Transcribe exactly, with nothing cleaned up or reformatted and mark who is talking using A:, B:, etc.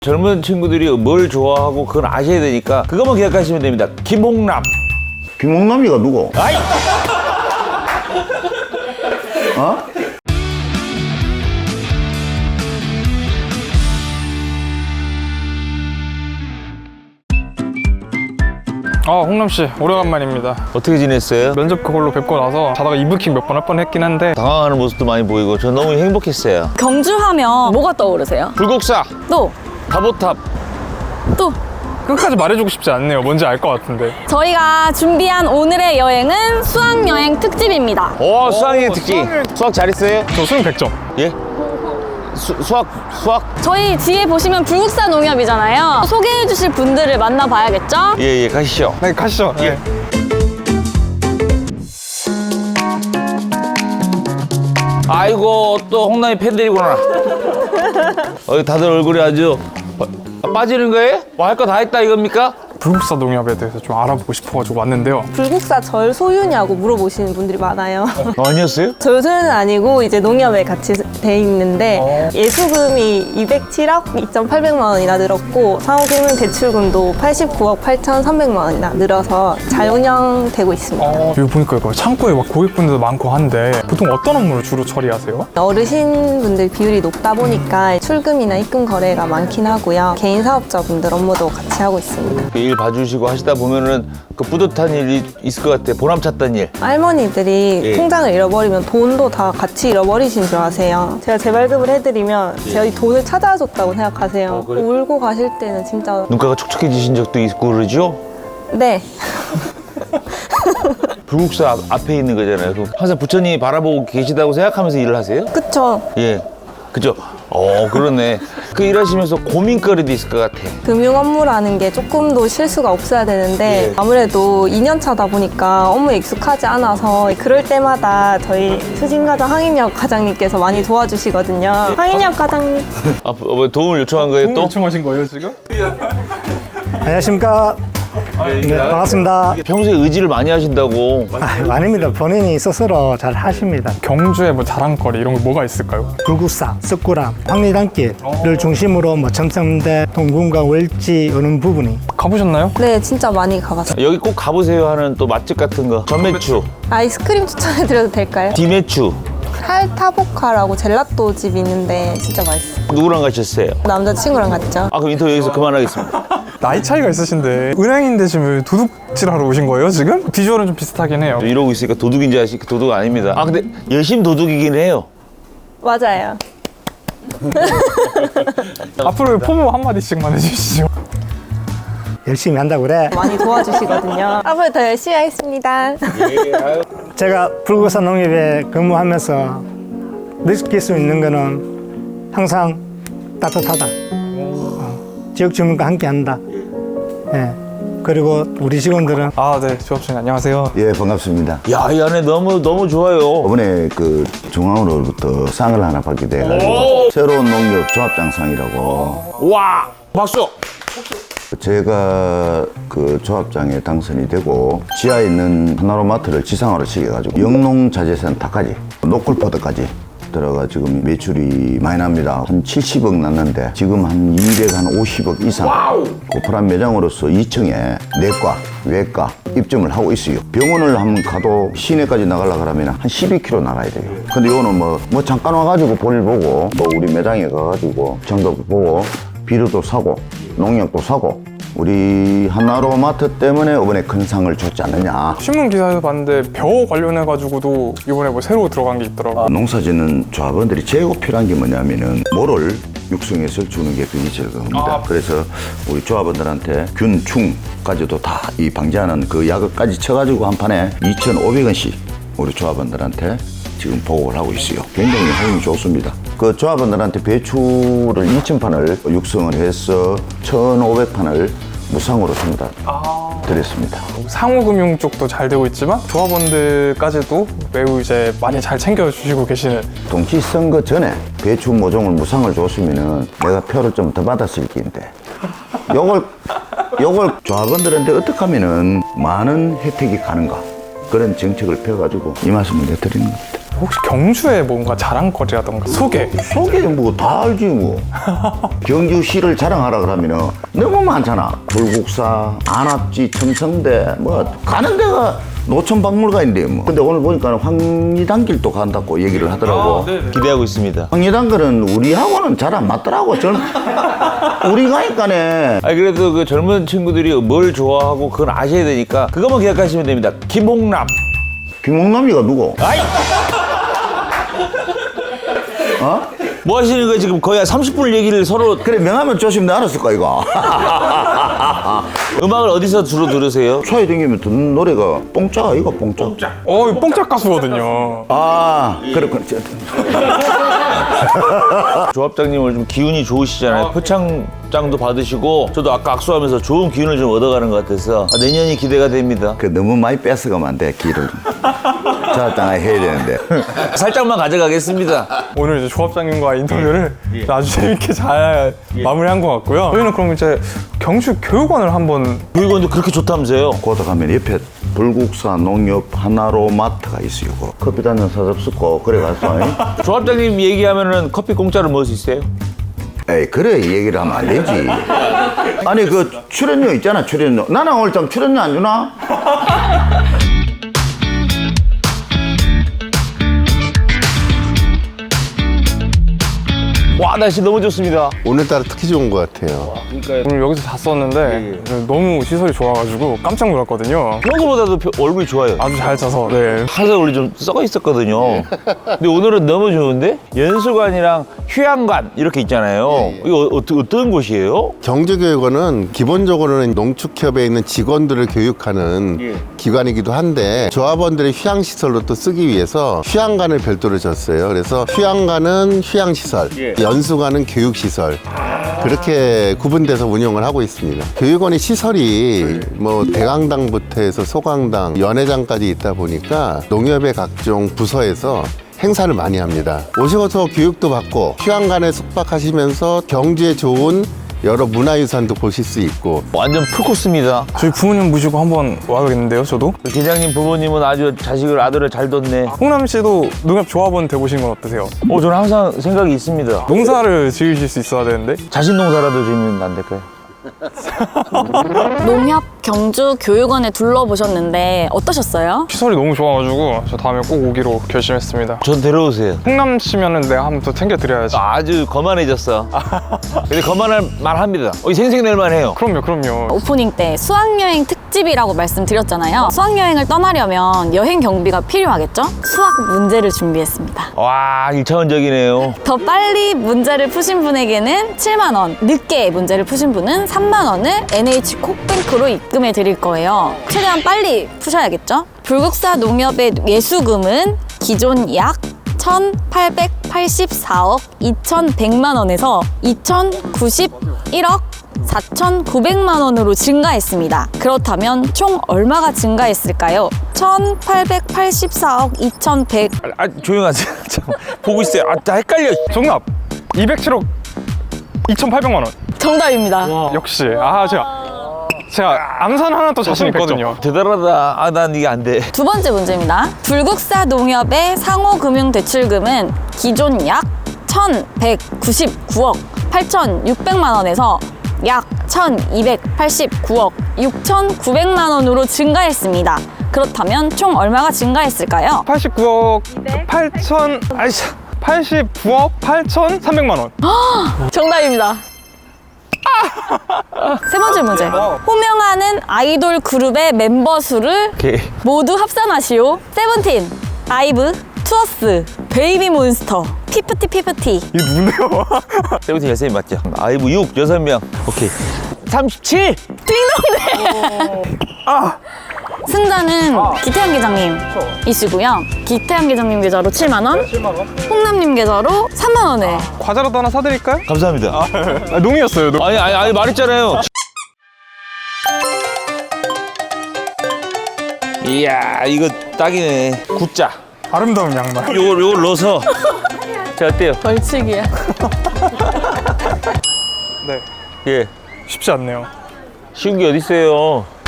A: 젊은 친구들이 뭘 좋아하고 그건 아셔야 되니까 그것만 기억하시면 됩니다. 김홍남.
B: 김홍남이가 누구?
A: 아이!
B: 어?
C: 아, 홍남씨 오래간만입니다.
A: 어떻게 지냈어요?
C: 면접 그걸로 뵙고 나서 자다가 이브킥 몇 번 할 뻔했긴 한데
A: 당황하는 모습도 많이 보이고 저 너무 행복했어요.
D: 경주하면 뭐가 떠오르세요?
A: 불국사,
D: 또,
A: 다보탑.
D: 또.
C: 끝까지 말해주고 싶지 않네요. 뭔지 알 것 같은데.
D: 저희가 준비한 오늘의 여행은 수학여행 특집입니다.
A: 오, 수학여행 특집.
C: 수학여행-
A: 수학 잘했어요?
C: 저 수능 백 점.
A: 예? 수, 수학, 수학?
D: 저희 뒤에 보시면 불국사 농협이잖아요. 소개해 주실 분들을 만나봐야겠죠?
A: 예, 예, 가시죠.
C: 네, 가시죠. 네.
A: 아이고, 또 홍남이 팬들이구나. 어, 다들 얼굴이 아주 빠- 빠지는 거예요? 뭐 할 거 다 했다 이겁니까?
C: 불국사 농협에 대해서 좀 알아보고 싶어가지고 왔는데요.
E: 불국사 절 소유냐고 물어보시는 분들이 많아요.
A: 아니었어요?
E: 절 소유는 아니고 이제 농협에 같이 돼 있는데 예수금이 이백칠억 이천팔백만 원이나 늘었고 상호금융 대출금도 팔십구억 팔천삼백만 원이나 늘어서 자운영되고 있습니다.
C: 어, 여기 보니까 이거 창고에 막 고객분들도 많고 한데 보통 어떤 업무를 주로 처리하세요?
E: 어르신분들 비율이 높다 보니까 출금이나 입금 거래가 많긴 하고요. 개인 사업자분들 업무도 같이 하고 있습니다.
A: 일 봐주시고 하시다 보면은 그 뿌듯한 일이 있을 것 같아요. 보람 찼던 일.
E: 할머니들이
A: 예.
E: 통장을 잃어버리면 돈도 다 같이 잃어버리신 줄 아세요. 제가 재발급을 해드리면 제가 이 돈을 찾아줬다고 생각하세요.
A: 어, 그래?
E: 울고 가실 때는 진짜
A: 눈가가 촉촉해지신 적도 있고 그러죠?
E: 네.
A: 불국사 앞, 앞에 있는 거잖아요. 그럼 항상 부처님이 바라보고 계시다고 생각하면서 일을 하세요?
E: 그쵸.
A: 예. 그죠? 어, 그러네. 그 일하시면서 고민거리도 있을 것 같아.
E: 금융 업무라는 게 조금 더 실수가 없어야 되는데
A: 예.
E: 아무래도 이 년 차다 보니까 업무에 익숙하지 않아서 그럴 때마다 저희 수진과장 황인혁 과장님께서 많이 도와주시거든요. 황인혁 과장님.
A: 아, 뭐 도움을 요청한 거예요 또?
C: 요청하신 거예요 지금?
F: 안녕하십니까. 네, 반갑습니다.
A: 평소에 의지를 많이 하신다고.
F: 아, 아닙니다. 본인이 스스로 잘 하십니다.
C: 경주에 뭐 자랑거리 이런 거 뭐가 있을까요?
F: 불국사, 석굴암, 황리단길을 중심으로 뭐 첨성대, 동궁과 월지 오는 부분이
C: 가보셨나요?
E: 네, 진짜 많이 가봤어요.
A: 여기 꼭 가보세요 하는 또 맛집 같은 거. 전매추,
E: 아이스크림 추천해드려도 될까요?
A: 디매추.
E: 탈타보카라고 젤라또 집이 있는데 진짜 맛있어요.
A: 누구랑 가셨어요?
E: 남자친구랑 갔죠.
A: 아, 그럼 인터뷰 여기서 그만하겠습니다.
C: 나이 차이가 있으신데 은행인데 지금 도둑질하러 오신 거예요 지금? 비주얼은 좀 비슷하긴 해요.
A: 이러고 있으니까 도둑인지 아시니까 도둑 아닙니다. 아, 근데 열심 도둑이긴 해요.
E: 맞아요.
C: 앞으로 포부 한마디씩만 해주시죠.
F: 열심히 한다고 그래.
E: 많이 도와주시거든요. 앞으로 더 열심히 하겠습니다.
F: 제가 불국사 농협에 근무하면서 느낄 수 있는 거는 항상 따뜻하다. 어, 지역 주민과 함께 한다. 예. 그리고 우리 직원들은
C: 아, 네, 조합장님 안녕하세요.
B: 예, 반갑습니다.
A: 야, 이 안에 너무, 너무 좋아요.
B: 이번에 그 중앙으로부터 상을 하나 받게 돼가지고 새로운 농협 조합장상이라고
A: 와, 박수!
B: 제가 그 조합장에 당선이 되고 지하에 있는 하나로마트를 지상으로 시켜가지고 영농자재센터까지 노골포드까지 들어가 지금 매출이 많이 납니다. 한 칠십억 났는데 지금 한 이백오십억 이상 오프라인 매장으로서 이 층에 내과, 외과 입점을 하고 있어요. 병원을 한번 가도 시내까지 나가려고 하면 한 십이 킬로미터 나가야 돼요. 근데 이거는 뭐, 뭐 잠깐 와가지고 볼일 보고 또 우리 매장에 가가지고 정도 보고 비료도 사고 농약도 사고 우리 하나로마트 때문에 이번에 큰 상을 줬지 않느냐.
C: 신문 기사에서 봤는데 벼 관련해가지고도 이번에 뭐 새로 들어간 게 있더라고요.
B: 농사짓는 조합원들이 제일 필요한 게 뭐냐면은 모를 육성해서 주는 게 그게 제일 겁니다. 그래서 우리 조합원들한테 균, 충까지도 다 이 방지하는 그 약을까지 쳐가지고 한 판에 이천오백 원씩 우리 조합원들한테 지금 보급을 하고 있어요. 굉장히 호응이 좋습니다. 그 조합원들한테 배추를 이천 판을 육성을 해서 천오백 판을 무상으로 전부 다 드렸습니다.
C: 상호금융 쪽도 잘 되고 있지만 조합원들까지도 매우 이제 많이 잘 챙겨주시고 계시는.
B: 동치선거 전에 배추 모종을 무상을 줬으면은 내가 표를 좀 더 받았을 텐데 요걸 요걸 조합원들한테 어떻게 하면은 많은 혜택이 가는가 그런 정책을 펴가지고 이 말씀을 내드리는 겁니다.
C: 혹시 경주에 뭔가 자랑거리라던가 소개?
B: 소개 뭐 다 알지 뭐. 경주시를 자랑하라 그러면은 너무 많잖아. 불국사, 안압지, 첨성대 뭐 가는 데가 노천박물관인데 뭐. 근데 오늘 보니까 황리단길도 간다고 얘기를 하더라고.
A: 기대하고 있습니다.
B: 황리단길은 우리하고는 잘 안 맞더라고. 전 우리 가니까네.
A: 아 그래도 그 젊은 친구들이 뭘 좋아하고 그건 아셔야 되니까 그것만 기억하시면 됩니다. 김홍남.
B: 김홍남이가 누구?
A: 아이!
B: 어?
A: 뭐 하시는 거예요? 지금 거의 한 삼십 분을 얘기를 서로
B: 그래 명하면 조심 내 알았을 까 이거.
A: 음악을 어디서 주로 들으세요?
B: 차에 댕기면 듣는 노래가 뽕짜가 이거 뽕짜.
C: 어, 이거 뽕짝 가수거든요.
B: 아 그렇군.
A: 조합장님을 좀 기운이 좋으시잖아요. 표창장도 받으시고 저도 아까 악수하면서 좋은 기운을 좀 얻어가는 것 같아서 아, 내년이 기대가 됩니다.
B: 그 너무 많이 뺏어가면 안 돼 길을. 자땅에 해야 되는데.
A: 살짝만 가져가겠습니다.
C: 오늘 이제 조합장님과 인터뷰를 아주 재밌게 잘 마무리한 것 같고요. 저희는 그럼 이제 경주 교육원을 한번
A: 교육원도 그렇게 좋다면서요?
B: 거기 가면 옆에 불국사 농협 하나로 마트가 있어요. 그 커피 단잔 사잡수고 그래 갔어. 잉?
A: 조합장님 얘기하면은 커피 공짜로 먹을 수 있어요?
B: 에이 그래 이 얘기를 하면 안 되지. 아니 그 출연료 있잖아 출연료. 나는 오늘 좀 출연료 안 주나?
A: 와 날씨 너무 좋습니다.
G: 오늘따라 특히 좋은 것 같아요.
C: 오늘 여기서 잤었는데 너무 시설이 좋아가지고 깜짝 놀랐거든요.
A: 평소보다도 표- 얼굴이 좋아요.
C: 아주 잘 자서 네.
A: 항상 우리 좀 썩어 있었거든요. 근데 오늘은 너무 좋은데? 연수관이랑 휴양관 이렇게 있잖아요. 이거 어, 어, 어떤 곳이에요?
G: 경주교육원은 기본적으로는 농축협에 있는 직원들을 교육하는 기관이기도 한데 조합원들의 휴양시설로 또 쓰기 위해서 휴양관을 별도로 줬어요. 그래서 휴양관은 휴양시설, 연수관은 교육시설 그렇게 구분돼서 운영을 하고 있습니다. 교육원의 시설이 뭐 대강당부터 해서 소강당, 연회장까지 있다 보니까 농협의 각종 부서에서 행사를 많이 합니다. 오셔서 교육도 받고 휴양간에 숙박하시면서 경주에 좋은 여러 문화유산도 보실 수 있고
A: 완전 풀코스입니다.
C: 저희 부모님 모시고 한번 와야겠는데요, 저도?
A: 계장님 부모님은 아주 자식을 아들을 잘 뒀네.
C: 홍남 씨도 농협 조합원 돼보신 건 어떠세요?
A: 어, 저는 항상 생각이 있습니다.
C: 농사를 지으실 수 있어야 되는데
A: 자신 농사라도 지으면 안 될까요?
D: 농협 경주 교육원에 둘러보셨는데 어떠셨어요?
C: 시설이 너무 좋아가지고 저 다음에 꼭 오기로 결심했습니다.
A: 전 데려오세요.
C: 홍남 씨면은 내가 한번 또 챙겨드려야지.
A: 아주 거만해졌어. 근데 거만할 만합니다. 어, 생생낼만 해요.
C: 그럼요, 그럼요.
D: 오프닝 때 수학여행 특집이라고 말씀드렸잖아요. 수학여행을 떠나려면 여행 경비가 필요하겠죠? 수학 문제를 준비했습니다.
A: 와, 일차원적이네요.
D: 더 빨리 문제를 푸신 분에게는 칠만 원, 늦게 문제를 푸신 분은 삼만 원을 엔에이치콕뱅크로 입금해 드릴 거예요. 최대한 빨리 푸셔야겠죠? 불국사 농협의 예수금은 기존 약 천팔백팔십사억 이천백만 원에서 이천구십일억 사천구백만 원으로 증가했습니다. 그렇다면 총 얼마가 증가했을까요? 천팔백팔십사억 이천백
A: 아, 조용하세요. 잠깐 보고 있어요. 아, 나 헷갈려.
C: 정답! 이백칠억 이천팔백만 원.
D: 정답입니다.
C: 역시. 아, 제가 제가 암산 하나 또 자신 있거든요.
A: 대단하다. 아, 난 이게 안 돼.
D: 두 번째 문제입니다. 불국사 농협의 상호금융대출금은 기존 약 천백구십구억 팔천육백만 원에서 약 천이백팔십구억 육천구백만 원으로 증가했습니다. 그렇다면 총 얼마가 증가했을까요?
C: 팔십구억 팔천 아이씨 팔십구억 팔천삼백만 원.
D: 정답입니다. 세 번째 문제. 호명하는 아이돌 그룹의 멤버 수를
A: 오케이.
D: 모두 합산하시오. 세븐틴, 아이브, 투어스, 베이비몬스터, 피프티 피프티.
C: 이게 누군데요?
A: 세븐틴 열세 명 맞죠? 아이브 육, 여섯 명. 오케이. 삼십칠!
D: 승자는 기태현 계장님이시고요. 기태현 계장님 계좌로 칠만 원, 홍남님 계좌로 삼만 원을.
C: 과자라도 하나 사드릴까요?
A: 감사합니다.
C: 아, 농이었어요. 농.
A: 아니, 아니, 아니, 말했잖아요. 이야, 이거 딱이네. 굿자.
C: 아름다운 양말.
A: 요걸, 요걸 넣어서. 자, 어때요?
D: 벌칙이야.
C: 네.
A: 예.
C: 쉽지 않네요.
A: 쉬운 게 어딨어요.